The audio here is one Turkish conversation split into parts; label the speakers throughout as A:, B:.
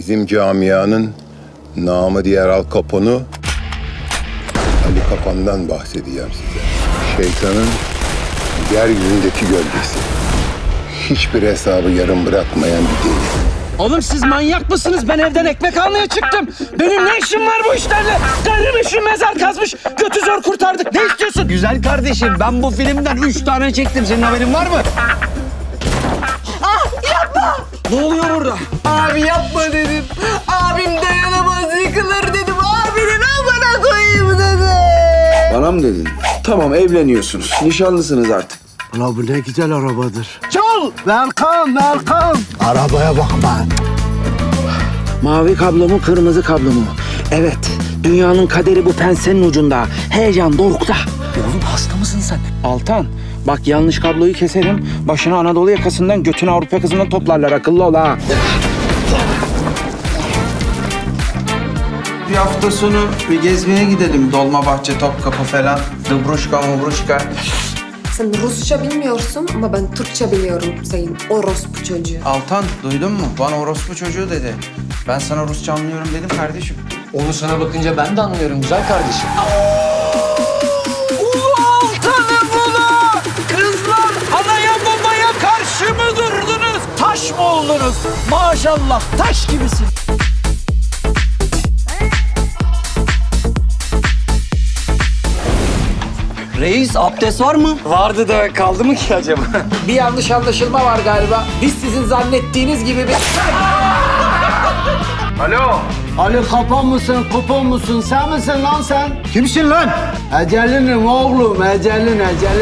A: Bizim camianın namı diğer Al Capone'u Ali Kapan'dan bahsedeceğim size. Şeytanın yeryüzündeki gölgesi. Hiçbir hesabı yarım bırakmayan bir deli.
B: Oğlum siz manyak mısınız? Ben evden ekmek almaya çıktım. Benim ne işim var bu işlerle? Karım işim mezar kazmış. Götü zor kurtardık. Ne istiyorsun?
C: Güzel kardeşim, ben bu filmden 3 tane çektim. Senin haberin var mı?
B: Ne oluyor burada?
C: Abi yapma dedim. Abim dayanamaz, yıkılır dedim. Abinin amına koyayım dedim.
D: Bana mı dedin? Tamam, evleniyorsunuz. Nişanlısınız artık.
E: Ulan bu ne güzel arabadır.
C: Çal!
E: Welcome, welcome. Arabaya bak ben.
B: Mavi kablo mu, kırmızı kablo mu? Evet, dünyanın kaderi bu pensenin ucunda. Heyecan dorukta.
C: Oğlum hasta mısın sen?
B: Altan, bak yanlış kabloyu keserim. Başını Anadolu yakasından, götünü Avrupa yakasından toplarlar. Akıllı ol ha.
F: Bir hafta sonu bir gezmeye gidelim. Dolmabahçe, Topkapı falan. Dıbruşka, mubruşka.
G: Sen Rusça bilmiyorsun ama ben Türkçe biliyorum senin orospu çocuğu.
F: Altan, duydun mu? Bana orospu çocuğu dedi. Ben sana Rusça anlıyorum dedim kardeşim.
C: Onu sana bakınca ben de anlıyorum güzel kardeşim.
B: Altan'ım ula! Kızlar anaya babaya karşı mı durdunuz? Taş mı oldunuz? Maşallah taş gibisin.
C: Reis, abdest var mı?
B: Vardı da kaldı mı ki acaba? Bir yanlış anlaşılma var galiba. Biz sizin zannettiğiniz gibi bir...
E: Ali Kapan mısın, kupon musun? Sen misin lan sen? Kimsin lan? Ecelinim oğlum, ecelin.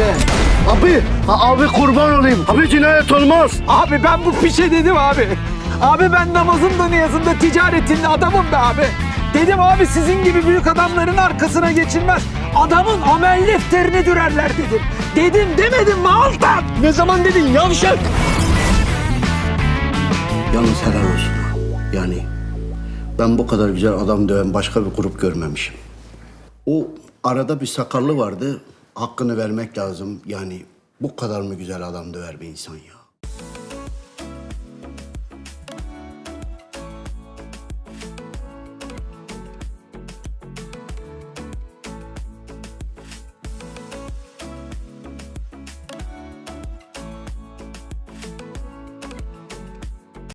E: Abi kurban olayım. Abi cinayet olmaz.
B: Abi ben bu pişe dedim abi. Abi ben namazında niyazında ticaretinde adamım be abi. Dedim abi sizin gibi büyük adamların arkasına geçilmez. Adamın amel defterini dürerler dedim. Dedim demedim mi Altan? Ne zaman dedin yavşak?
E: Yalnız helal olsun. Yani ben bu kadar güzel adam döven başka bir grup görmemişim. O arada bir sakallı vardı. Hakkını vermek lazım. Yani bu kadar mı güzel adam döver bir insan ya?